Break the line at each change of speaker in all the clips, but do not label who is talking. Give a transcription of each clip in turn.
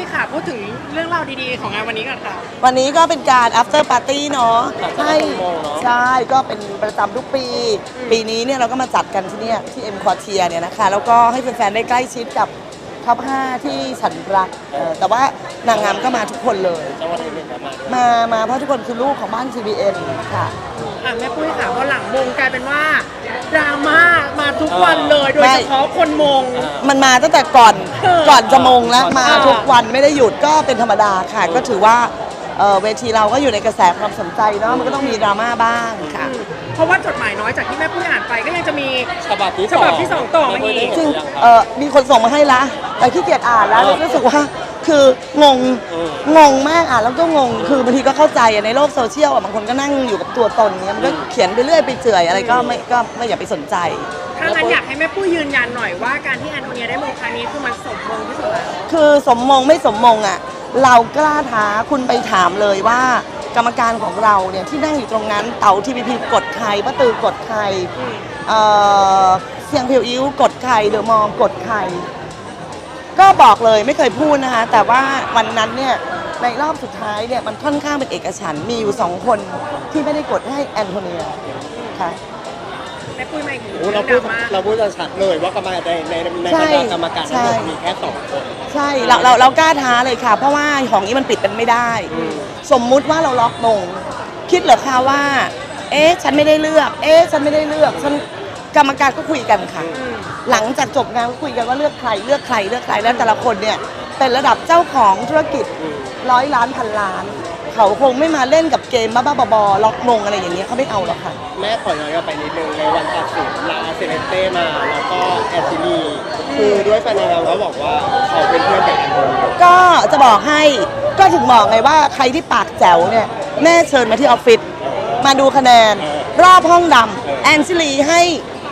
ค่ะพูดถึงเรื่องราวดีๆของงานวันนี้ก่อนค่ะ
วันนี้ก็เป็นการ after party เนาะใช่ก็เป็นประจำทุกปี ปีนี้เนี่ยเราก็มาจัดกันที่เนี่ยที่ M Quartier เนี่ยนะคะแล้วก็ให้แฟนๆได้ใกล้ชิดกับท็อป 5 ที่ฉันรักแต่ว่านางงามก็มาทุกคนเลยมาเพราะทุกคนคือลูกของบ้าน CBN ค่ะ
แม่ปุ้ยค่ะพอหลังมงกลายเป็นว่าดราม่ามาทุกวันเลยโดยเฉพาะคนมง
มันมาตั้งแต่ก่อนจะมงแล้วมาทุกวันไม่ได้หยุดก็เป็นธรรมดาค่ะก็ถือว่าเวทีเราก็อยู่ในกระแสความสนใจเนาะมันก็ต้องมีดราม่าบ้างค่ะ
เพราะว่าจดหมายน้อยจากที่แม่ปุ้ยอ่านไปก็ยังจะมีฉบับที่สองต่อมาอีก
ซึ่งมีคนส่งมาให้ละแต่ขี้เกียจอ่านแล้วรู้สึกว่าคืองงมากอ่ะแล้วก็งงคือบางทีก็เข้าใจในโลกโซเชียลบางคนก็นั่งอยู่กับตัวตนเนี่ยมันก็เขียนไปเรื่อยไปเจื่อยอะไรก็ไม่อยากไปสนใจ
ถ้างั้นอยากให้แม่ปุ้ยยืนยันหน่อยว่าการที่แอนโทเนียได้มงครั้งนี้คือมันสมมงที่สุดแล้ว
คือสมมงไม่สมมงอ่ะเรากล้าท้าคุณไปถามเลยว่ากรรมการของเราเนี่ยที่นั่งอยู่ตรงนั้นเต๋าทีพีพีกดใครป้าตือกดใครเสียงเพียวอิ้วกดใครเดอะมอมกดใครก็บอกเลยไม่เคยพูดนะคะแต่ว่าวันนั้นเนี่ยในรอบสุดท้ายเนี่ยมันค่อนข้างเป็นเอกฉันท์มีอยู่2 คนที่ไม่ได้กดให้แอนโทเนียค่ะ
แม่ปุ้ยไม่เห็น
เราพูดจะชัดเลยว่ากรรมการในบรรดากรรมการทั้งหมดมีแค่2 คน
ใช่เรากล้าท้าเลยค่ะเพราะว่าของนี้มันปิดเป็นไม่ได้สมมุติว่าเราล็อกมงคิดเหรอคะว่าฉันไม่ได้เลือกฉันไม่ได้เลือกฉันกรรมการก็คุยกันค่ะหลังจากจบงานก็คุยกันว่าเลือกใครแล้วแต่ละคนเนี่ยเป็นระดับเจ้าของธุรกิจ100 ล้านพันล้านเขาคงไม่มาเล่นกับเกมบ้าๆบอๆล็อกมงอะไรอย่างเงี้ยเขาไม่เอาหรอกค่ะ
แม่ขอย้อนกลับไปนิดนึงในวันตัดสินลาเซเลเต้มาแล้วก็แอนตินีคือด้วยแฟนเราเขาบอกว่าเขาเป็นเพื่อนกับแอนโทเนีย
ก็จะบอกให้ก็ถึงบอกไงว่าใครที่ปากแจ๋วเนี่ยแม่เชิญมาที่ออฟฟิศมาดูคะแนนรอบห้องดำแอนชิลีให้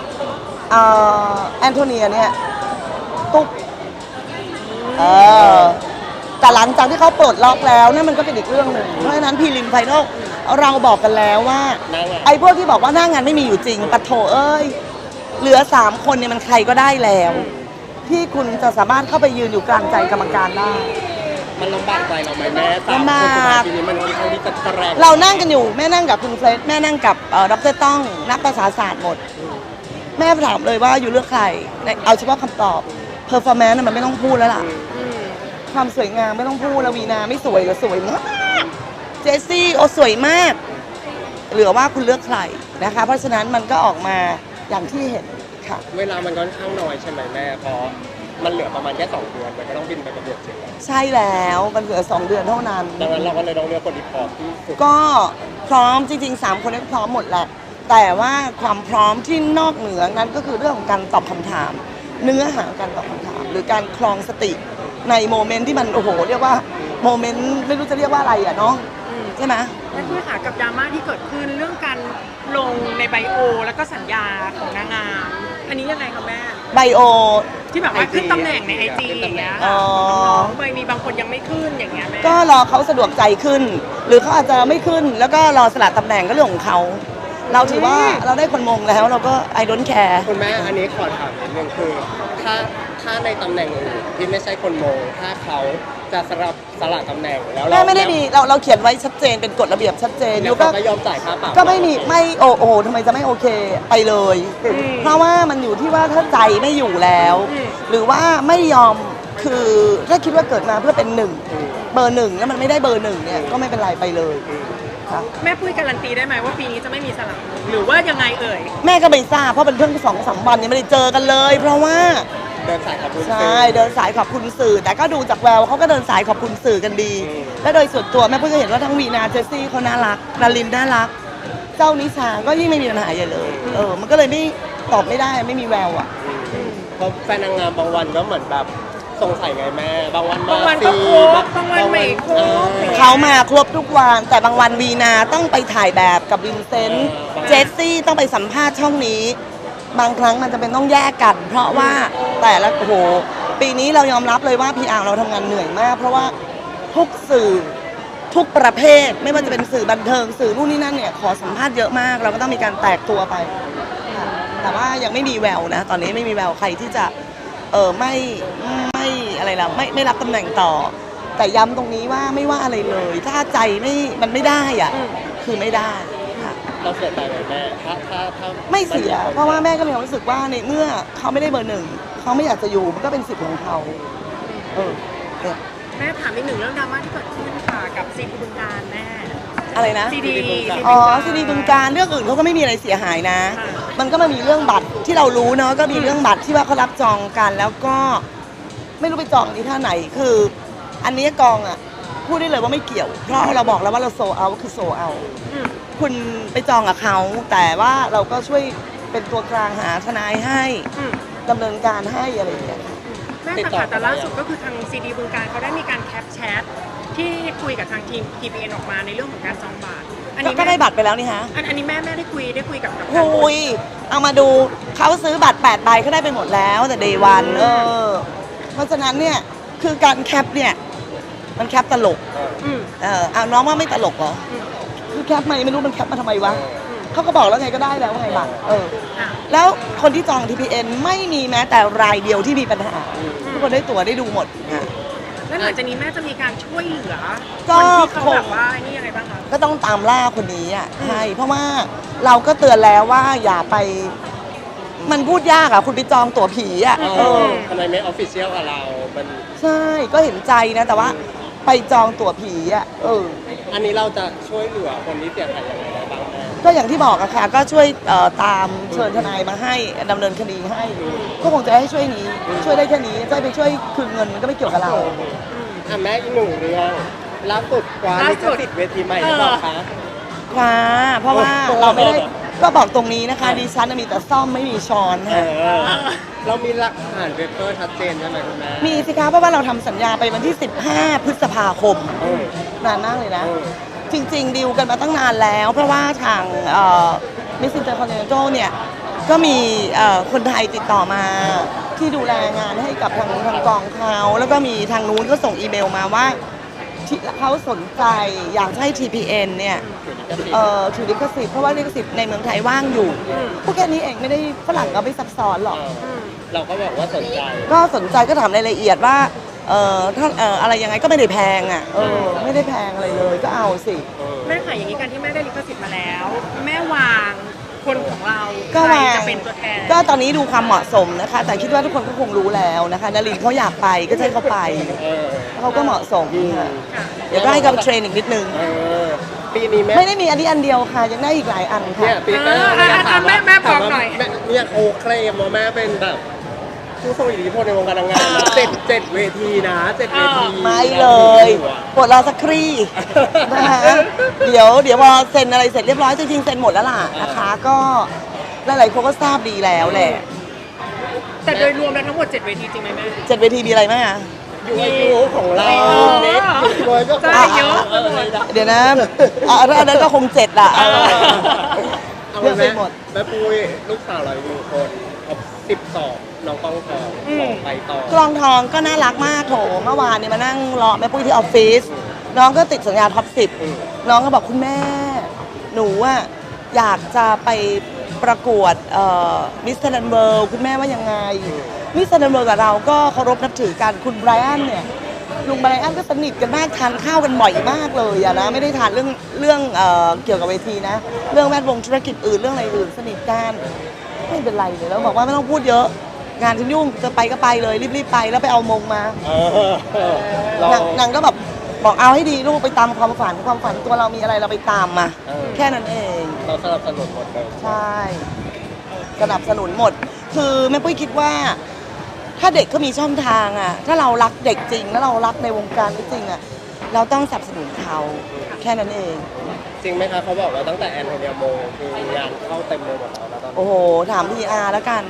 แอนโทเนียเนี่ยตุ๊บแต่หลังจากที่เขาปลดล็อกแล้วนั่นมันก็เป็นอีกเรื่องหนึ่งเพราะฉะนั้นพรีลิมไฟนอลเราบอกกันแล้วว่าไอ้พวกที่บอกว่าหน้างานไม่มีอยู่จริงปะโถเอ้ยเหลือ3 คนเนี่ยมันใครก็ได้แล้วที่คุณจะสามารถเข้าไปยืนอยู่กลางใจกรรมการได้
มันลำบากใจเราไหมแม่3 คนทีนี้มันค่อนข้างที่จะแรง
เรานั่งกันอยู่แม่นั่งกับคุณเฟรดแม่นั่งกับดร.ต้องนักภาษาศาสตร์หมดแม่ถามเลยว่าอยู่เลือกใครเอาเฉพาะคำตอบเพอร์ฟอร์แมนซ์มันไม่ต้องพูดแล้วล่ะความสวยงามไม่ต้องพูดแล้ววีนาไม่สวยหรือสวยมากเจสซี่สวยมากเหลือว่าคุณเลือกใครนะคะเพราะฉะนั้นมันก็ออกมาอย่างที่เห็นค่ะ
เวลามันค่อนข้างน้อยใช่ไหมแม่เพราะมันเหลือประมาณแค่2 เดือนมันก็ต้องบินไปประเทศเชียงราย
ใช่แล้วมันเหลือ2 เดือนเท่านั้น
ดังนั้นเราก็เลยต้องเลือกคนที่พร้อมที่สุด
ก็พร้อมจริงๆ3 คนนี้พร้อมหมดแหละแต่ว่าความพร้อมที่นอกเหนือนั้นก็คือเรื่องของการตอบคำถามเนื้อหาการตอบคำถามหรือการคลองสติในโมเมนต์ที่มันโอ้โหเรียกว่าโมเมนต์ไม่รู้จะเรียกว่าอะไรอ่ะเนาะใช่ไหม
แม่ปุ้ยค่ะกับดราม่าที่เกิดขึ้นเรื่องการลงในไบโอแล้วก็สัญญาของนางงามอันนี้ยังไงคะแม่
ไบโอ
ที่แบบว่าขึ้นตำแหน่งในIGอย่างเงี้ยค่ะมีบางคนยังไม่ขึ้นอย่างเงี้ยแม่
ก็รอเขาสะดวกใจขึ้นหรือเขาอาจจะไม่ขึ้นแล้วก็รอสละตำแหน่งก็เรื่องของเขาเราถือว่าเราได้คนมงแล้วเราก็ I don't care
คุณแม่อันนี้ขอถามนิดนึงคือถ้าในตำแหน่งอื่นที่ไม่ใช่คนมงถ้าเขาจะสละตำแหน่งแล้ว
แม่ไม่ได้มีเราเขียนไว้ชัดเจนเป็นกฎระเบียบชัดเจน
แล้วก็ยอมจ่ายค่าปรับ
ก็ไม่มีไม่โอ้โหทำไมจะไม่โอเคไปเลยเพราะว่ามันอยู่ที่ว่าถ้าใจไม่อยู่แล้วหรือว่าไม่ยอมคือถ้าคิดว่าเกิดมาเพื่อเป็น1 เบอร์ 1แล้วมันไม่ได้เบอร์ 1เนี่ยก็ไม่เป็นไรไปเลย
แม่ปุ้ยการันตีได้ไหมว่าปีนี้จะไม่มีสลับหรือว่ายังไงเอ่ย
แม่ก็ไม่ทราบเพราะเป็นเพิ่ง2-3 วันยังไม่ได้เจอกันเลยเพราะว่า
เดินสายขอบคุณ
ใช่เดินสายขอบคุณสื่อแต่ก็ดูจากแววเขาก็เดินสายขอบคุณสื่อกันดีและโดยส่วนตัวแม่ปุ้ยก็เห็นว่าทั้งวีนาเจสซี่เขาน่ารักนารินน่ารักเจ้านิชาก็ยิ่งไม่มีปัญหาใหญ่เลยมันก็เลยไม่ตอบไม่ได้ไม่มีแววอ่ะ
เพราะแฟนนางงามบางวันก็เหมือนแบบสงสัยไงแม่บางวัน
ก็ครบบางวันไม่ครบ
เขามาครบทุกวันแต่บางวันวีนาต้องไปถ่ายแบบกับวินเซนต์เจสซี่ต้องไปสัมภาษณ์ช่องนี้บางครั้งมันจะเป็นต้องแยกกันเพราะว่าแต่ละโอ้โหปีนี้เรายอมรับเลยว่า PR เราทำงานเหนื่อยมากเพราะว่าทุกสื่อทุกประเภทไม่ว่าจะเป็นสื่อบันเทิงสื่อนู่นนี่นั่นเนี่ยขอสัมภาษณ์เยอะมากเราก็ต้องมีการแตกตัวไปแต่ว่ายังไม่มีแววนะตอนนี้ไม่มีแววใครที่จะไม่อะไรล่ะไม่รับตำแหน่งต่อแต่ย้ำตรงนี้ว่าไม่ว่าอะไรเลย ถ้าใจมันไม่ได้อ่ะคือไม่ได้ค่ะ
เราเสียใจไหมแม่ถ้า
ไม่เสีย เพราะว่าแม่ก็มีความรู้สึกว่าในเมื่อเขาไม่ได้เบอร์หนึ่งเขาไม่อยากจะอยู่มันก็เป็นสิทธิ์ของเขาเนี่ย
แม่ถามอีกหนึ่งเรื่องดราม่าที่เกิดขึ้นค่ะกับซีดีบึงการแม่
อะไรนะ
ซีดี
อ๋อซีดีบึงการเรื่องอื่นเขาก็ไม่มีอะไรเสียหายนะ มันก็มามีเรื่องบัตรที่เรารู้เนาะก็มีเรื่องบัตรที่ว่าเขารับจองกันแล้วก็ไม่รู้ไปจองที่ท่าไหนคือ อันนี้กองอ่ะพูดได้เลยว่าไม่เกี่ยว เพราะเราบอกแล้วว่าเราโซเอาคือโซเอาคุณไปจองกับเขาแต่ว่าเราก็ช่วยเป็นตัวกลางหาทนายให้ดำเนินการให้อะไรอย่างเงี้ย
แม่แต่ล่าสุดก็คือทางซีดีบึงการเขาได้มีการแคปแชทที่คุยกับทางทีม TPN ออกมาในเรื่องของการจองบัตรอันนี้
ก็ได้บัตรไปแล้วนี่ฮะ
อันนี้แม่ได้คุยกับทาง
คุยเอามาดูเขาซื้อบัตร8 ใบเขาได้ไปหมดแล้วแต่เดย์วันเพราะฉะนั้นเนี่ยคือการแคปเนี่ยมันแคปตลกเอาน้องว่าไม่ตลกเหรอคือแคปมาไม่รู้มันแคปมาทำไมวะเขาก็บอกแล้วไงก็ได้แล้วไงบัตรแล้วคนที่จอง TPN ไม่มีแม้แต่รายเดียวที่มีปัญหาทุกคนได้ตั๋วได้ดูหมดค่ะ
แล้วหลังจากนี้แม่จะมีการช่วยเหลือ
ก็
คนที่เขาแบบว่านี่ยังไงบ้างคะ
ก็ต้องตามล่าคนนี้อ่ะใช่เพราะว่าเราก็เตือนแล้วว่าอย่าไปมันพูดยากอ่ะคุณไปจองตั๋วผีอ่ะ
ทำไมไม่ออฟฟิเชียลกับเรามัน
ใช่ก็เห็นใจนะแต่ว่าไปจองตั๋วผีอ่ะ
อันนี้เราจะช่วยเหลือคนที่เสียหายยังไงได้บ้างแม่
ก็อย่างที่บอกอะค่ะก็ช่วยตามเชิญทนายมาให้ดำเนินคดีให้ก็คงจะให้ช่วยนี้ช่วยได้แค่นี้จะไปช่วยคืนเงินมันก็ไม่เกี่ยวกับเรา
แม่อีกหนึ่งเรื่องล่าสุดกว่าลิขสิทธิ์เวทีใหม่หรือเปล่าคะ
คว้าเพราะว่าเราไม่ได้ก็บอกตรงนี้นะคะดิฉันมีแต่ซ่อมไม่มีช้อนค่ะ
เรามีหลักฐานเปเปอร์ชัดเจนใช่ไหมคุณแม่
มีสิคะเพราะว่าเราทำสัญญาไปวันที่ 15 พฤษภาคมนานมากเลยนะ จริงๆดีลกันมาตั้งนานแล้ว เพราะว่าทางมิสซินเตอร์คอนเทนเนอร์เนี่ยก็มีคนไทยติดต่อมาที่ดูแลงานให้กับทางกองเขาแล้วก็มีทางนู้นก็ส่งอีเมลมาว่าเขาสนใจอยากให้ TPN เนี่ยถือลิขสิทธิ์เพราะว่าลิขสิทธิ์ในเมืองไทยว่างอยู่พวกแค่นี้เองไม่ได้ฝรั่งก็ไม่ซับซ้อนหรอก
เราก็บอกว่าสนใจ
ก็สนใจก็ถามรายละเอียดว่าถ้าอะไรยังไงก็ไม่ได้แพงอ่ะไม่ได้แพงอะไรเลยก็เอาสิ
แม่ค่ะอย่างนี้การที่แม่ได้ลิขสิทธิ์มาแล้ว แม่วางคนของเรา
ก็
ใคร
วาง
จะเป็นตัวแทน
ก็ตอนนี้ดูความเหมาะสมนะคะ แต่คิดว่าทุกคนก็คงรู้แล้วนะคะนลินเขาอยากไปก็ให้เขาไปเขาก็เหมาะสมค่ะเดี๋ยวก็ให้เขาไปเทรนอีกนิดนึง
ปีนี้แม่
ไม่ได้มีอันนี้อันเดียวค่ะยังได้อีกหลายอันค่ะ
เนี่ยปีนี้
แม่บอกหน่อย
เนี่ยโคเคลมว่าแม่เป็นแบบผู้ทรงอิทธิพลในวงการนางงามนะเจ็ดเวทีนะ7 เวที
ไม่เลยปวดรอสักครี่นะคะเดี๋ยวพอเซ็นอะไรเสร็จเรียบร้อยจริงๆเซ็นหมดแล้วล่ะนะคะก็หลายๆคนก็ทราบดีแล้วแหละ
แต่โดยรวมแล้วทั้งหมด7 เวทีจริงไหมแม่
7 เวทีมีอะไรบ้างอะ
อยู่อายุของเราเน็ตรวยก็
ใช่เยอะ
เดี๋ยวนะถ้าอันนั้นก็คง7อ่ะ
เอา
เลือก
แม่
ไปหมด
แม่ปุ้ยลูกสาวเราอยู่คน12น้องกองทองไปต่อก
ลองทองก็น่ารักมากโถเมื่อวานเนี่ยมานั่งรอแม่ปุ้ยที่ออฟฟิศน้องก็ติดสัญญาท็อป10น้องก็บอกคุณแม่ หนูอะอยากจะไปประกวดมิสเตอร์ดันเวิลด์คุณแม่ว่ายังไงมิสเตอร์ดันเวิลด์กับเราก็เคารพนับถือกันคุณไบรอันเนี่ยลุงไบรอันก็สนิทกันมากทานข้าวกันบ่อยมากเลยอะนะไม่ได้ทานเรื่องเกี่ยวกับเวทีนะเรื่องแวดวงธุรกิจอื่นเรื่องอะไรอื่นสนิทกันไม่เป็นไรเลยแล้วบอกว่าไม่ต้องพูดเยอะงานฉันยุ่งจะไปก็ไปเลยรีบๆไปแล้วไปเอามงมา นางก็แบบบอกเอาให้ดีลูกไปตามความฝันตัวเรามีอะไรเราไปตามมาแค่นั้นเอง
เราสนับสนุนหมดเลย
ใช่สนับสนุนหมด คือแม่ปุ้ยคิดว่า ถ้าเด็กก็มีช่องทางอ่ะถ้าเรารักเด็กจริงแล้วเรารักในวงการนี้จริงอ่ะเราต้องสนับสนุนเขาแค่นั้นเอง
จริงไหมคะเขาบอกว่าตั้งแต่แอนโทเนียโมคืองานเข้าเต็มเลยหมดแล้วนะตอนนี้
โอ้โหถามพีอาร์แล้วกัน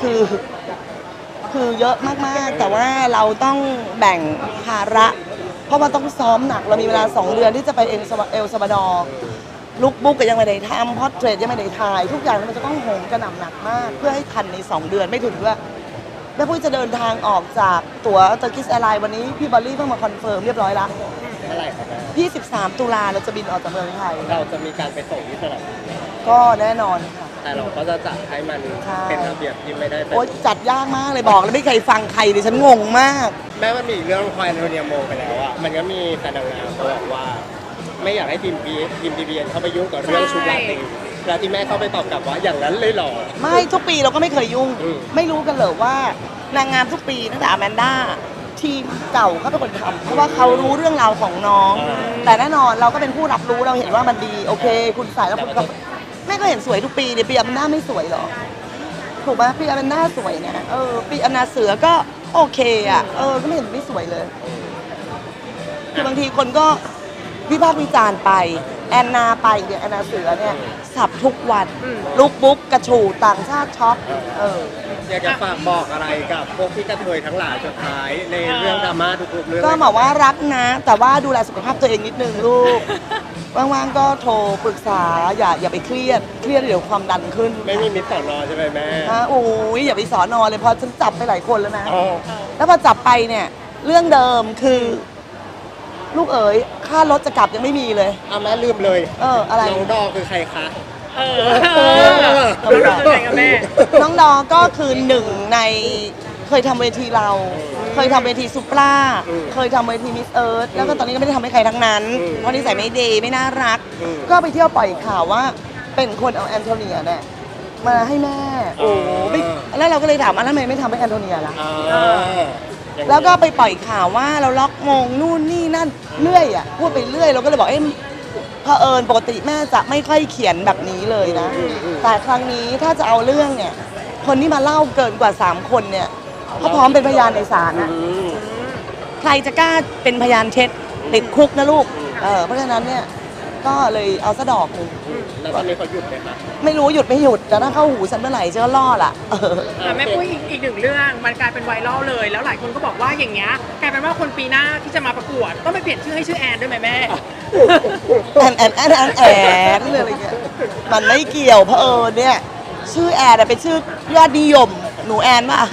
คือเยอะมากๆแต่ว่าเราต้องแบ่งภาระเพราะว่าต้องซ้อมหนักเรามีเวลา2 เดือนที่จะไปเอลซาบาดอร์ลุกบุ๊กก็ยังไม่ได้ทำพอร์เทรตยังไม่ได้ถ่ายทุกอย่างมันจะต้องโหมกระหน่ำหนักมากเพื่อให้ทันใน2 เดือนไม่ถึงด้วยแม่ปุ้ยจะเดินทางออกจากตั๋วเตอร์กิสแอร์ไลน์วันนี้พี่บอลลี่เพิ่งมาคอนเฟิร์มเรียบร้อยแล้ว
เมื่อไหร่ครับแม่
23 ตุลาเราจะบินออกจากเมืองไทย
เราจะมีการไปส่งที่สนามบิน
ก็แน่นอนค่ะ
แต่เราก็จะจัดให้มัน
ใช่
เป็นระเบียบที่ไม่ได้เป็น
โอ๊ยจัดยากมากเลยบอกแล้วไม่เคยฟังใครเลยฉันงงมาก
แม้มันมีเรื่องควายโรเนียโมไปแล้วอะมันก็มีแฟนนางงามเขาบอกว่า ไม่อยากให้ทีมทีบีเอ็นเข้าไปยุ่งกับเรื่องชุดราตรีแล้วที่แม่เข้าไปตอบกลับว่าอย่างนั้นเลยเหรอ
ไม่ทุกปีเราก็ไม่เคยยุ่ง
อืม
ไม่รู้กันเลยว่านางงามทุกปีตั้งแต่อแมนด้าทีมเก่าเขาเป็นคนทำเพราะว่าเขารู้เรื่องราวของน้อง แต่แน่นอนเราก็เป็นผู้รับรู้เราเห็นว่ามันดีโอเค คุณใส่แล้วคุณก็แม่ก็เห็นสวยทุกปีเนี่ยปีอแมนด้าไม่สวยเหรอถูกไหมปีอแมนด้าสวยนะปีอนาเสือก็โอเคอ่ะก็ไม่เห็นไม่สวยเลย คือบางทีคนก็วิพากษ์วิจารณ์ไปแอนนาไปเนี่ยแอนนาเสือเนี่ยสับทุกวันลุกบุ๊กกระฉูดต่างชาติช็อป
อยากจะฝากบอกอะไรกับพวกพี่กระเทยทั้งหลายสุดท้ายในเรื่องดราม่าทุกๆเรื่อง
ก็บอกว่ารักนะ แต่ว่าดูแลสุขภาพตัวเองนิดนึงลูก ว่างๆก็โทรปรึกษาอย่าไปเครียดเดี๋ยวความดันขึ้น
ไม่มีมิตรสอนอใช่ไหมแม่
โอ้ยอย่าไปสอนอเลยเพอฉันจับไปหลายคนแล้วนะ
อ๋อ
แล้วพอจับไปเนี่ยเรื่องเดิมคือ ลูกเอ๋ยค่ารถจะกลับยังไม่มีเลย
เอาแม่ลืมเลย
อะไร
น้องดอคือใครคะ
รู้สึกยังไงกับแม่
น้องดอก็คือหนึ่งในเคยทำเวทีเรา เคยทำเวทีซุปราเคยทำเวทีมิสเอิร์ธแล้วก็ตอนนี้ก็ไม่ได้ทำให้ใครทั้งนั้นเพราะนิสัยไม่ดีไม่น่ารัก ก็ไปเที่ยวปล่อยข่าวว่าเป็นคนเอาแอนโทเนียเนี่ยมาให้แม่ โอ้ไม่แล้วเราก็เลยถามว่าทำไมไม่ทำให้แอนโทเนียล่ะ แล้วก็ไปปล่อยข่าวว่าเราล็อกมงนู่นนี่นั่นเรื่อยอ่ะพูดไปเรื่อยเราก็เลยบอกเผอิญปกติแม่จะไม่ค่อยเขียนแบบนี้เลยนะ แต่ครั้งนี้ถ้าจะเอาเรื่องเนี่ยคนที่มาเล่าเกินกว่า 3 คนเนี่ยเขาพร้อมเป็นพยานในศาลนะใครจะกล้าเป็นพยานเท็จติดคุกนะลูกเพราะฉะนั้นเนี่ยก็เลยเอาซะดอกหนึ่ง
แล้วตอนนี้เขาหยุดไหมคะ
ไม่รู้หยุดไม่หยุดแต่ถ้าเข้าหูฉันเมื่อไหร่จะล่อล่ะ
แม่ปุ้ยอีกหนึ่งเรื่องมันกลายเป็นไวรัลเลย แล้วหลายคนก็บอกว่าอย่างเงี้ยกลายเป็นว่าคนปีหน้าที่จะมาประกวดต้องไปเปลี่ยนชื่อให้ชื่อแอนด้วยไหมแม่
แอนเลยอะไรเงี้ยมันไม่เกี่ยวเพราะเนี่ยชื่อแอนเป็นชื่อยอดนิยมหนูแอนป่ะ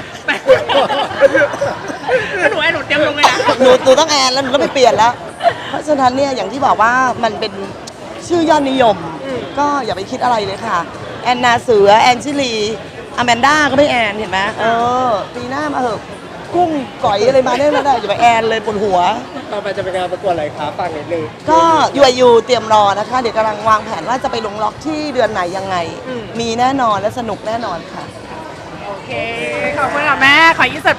แล้วหนูแอนหนูเตรียมลงเลยนะ
หนูต้องแอนแล้วหนูต้องไปเปลี่ยนแล้ว เพราะฉะนั้นเนี่ยอย่างที่บอกว่ามันเป็นชื่อยอดนิยม ก็อย่าไปคิดอะไรเลยค่ะ แอนนาเสือแอนชิลีอแมนด้าก็ไม่แอนเห็นไหมปีหน้ามาเหอะกุ้งก๋อยอะไรมาได้ไม่ได้อย่าไปแอนเลยปวดหัว
ต่อไปจะเป็นงานประกวดอะไรคะฟังนิดนึง
ก็ยูเตรียมรอนะคะ เดี๋ยวกำลังวางแผนว่าจะไปลงล็อกที่เดือนไหนยังไง มีแน่นอนและสนุกแน่นอนค่ะ
โอเค ขอบคุณค่ะแม่ ขอยืด